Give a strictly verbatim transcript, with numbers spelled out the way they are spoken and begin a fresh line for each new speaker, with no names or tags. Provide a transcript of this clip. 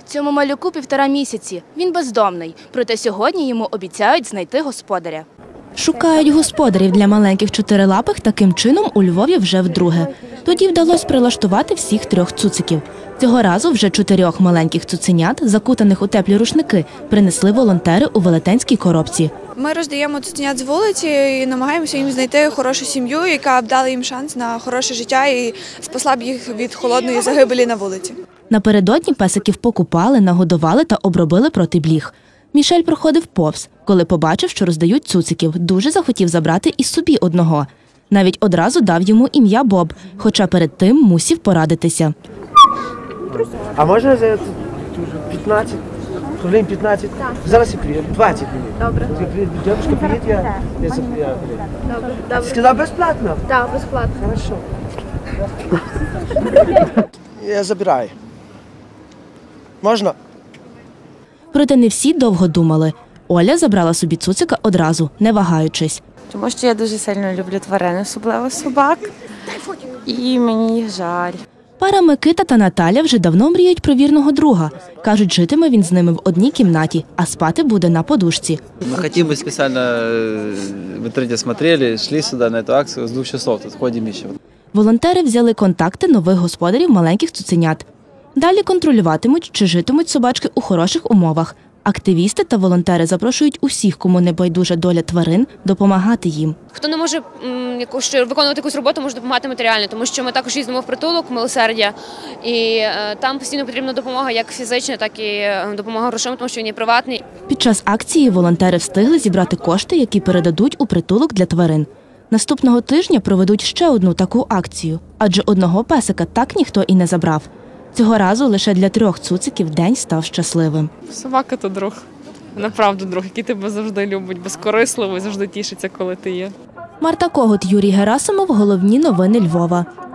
Цьому малюку півтора місяці. Він бездомний. Проте сьогодні йому обіцяють знайти господаря.
Шукають господарів для маленьких чотирилапих таким чином у Львові вже вдруге. Тоді вдалося прилаштувати всіх трьох цуциків. Цього разу вже чотирьох маленьких цуценят, закутаних у теплі рушники, принесли волонтери у велетенській коробці.
Ми роздаємо цуценят з вулиці і намагаємося їм знайти хорошу сім'ю, яка б дала їм шанс на хороше життя і спасла б їх від холодної загибелі на вулиці.
Напередодні песиків покупали, нагодували та обробили проти бліг. Мішель проходив повз. Коли побачив, що роздають цуциків, дуже захотів забрати і собі одного. Навіть одразу дав йому ім'я Боб, хоча перед тим мусів порадитися.
А можна за п'ятнадцять? Хвилин п'ятнадцять? Зараз я приїду. двадцять минут. Добре. Дядушка, приїдь, я... я заприїду. Добре. Ти сказав безплатно?
Так, безплатно.
Хорошо. Я забираю. Можна?
Проте не всі довго думали. Оля забрала собі цуцика одразу, не вагаючись.
Тому що я дуже сильно люблю тварин, особливо собак, і мені їх жаль.
Пара Микита та Наталя вже давно мріють про вірного друга. Кажуть, житиме він з ними в одній кімнаті, а спати буде на подушці.
Ми хотіли, спеціально в інтернеті смотрели, йшли сюди на цю акцію з двох часов, тут ходимо ще.
Волонтери взяли контакти нових господарів маленьких цуценят. Далі контролюватимуть, чи житимуть собачки у хороших умовах. Активісти та волонтери запрошують усіх, кому не байдужа доля тварин, допомагати їм.
Хто не може м, якусь, виконувати якусь роботу, може допомагати матеріально, тому що ми також їздимо в притулок «Милосердя», і е, там постійно потрібна допомога як фізична, так і е, допомога грошима, тому що він є приватний.
Під час акції волонтери встигли зібрати кошти, які передадуть у притулок для тварин. Наступного тижня проведуть ще одну таку акцію, адже одного песика так ніхто і не забрав. Цього разу лише для трьох цуциків день став щасливим.
Собака – то друг. Направду друг, який тебе завжди любить, безкорисливо і завжди тішиться, коли ти є.
Марта Когут, Юрій Герасимов. Головні новини Львова.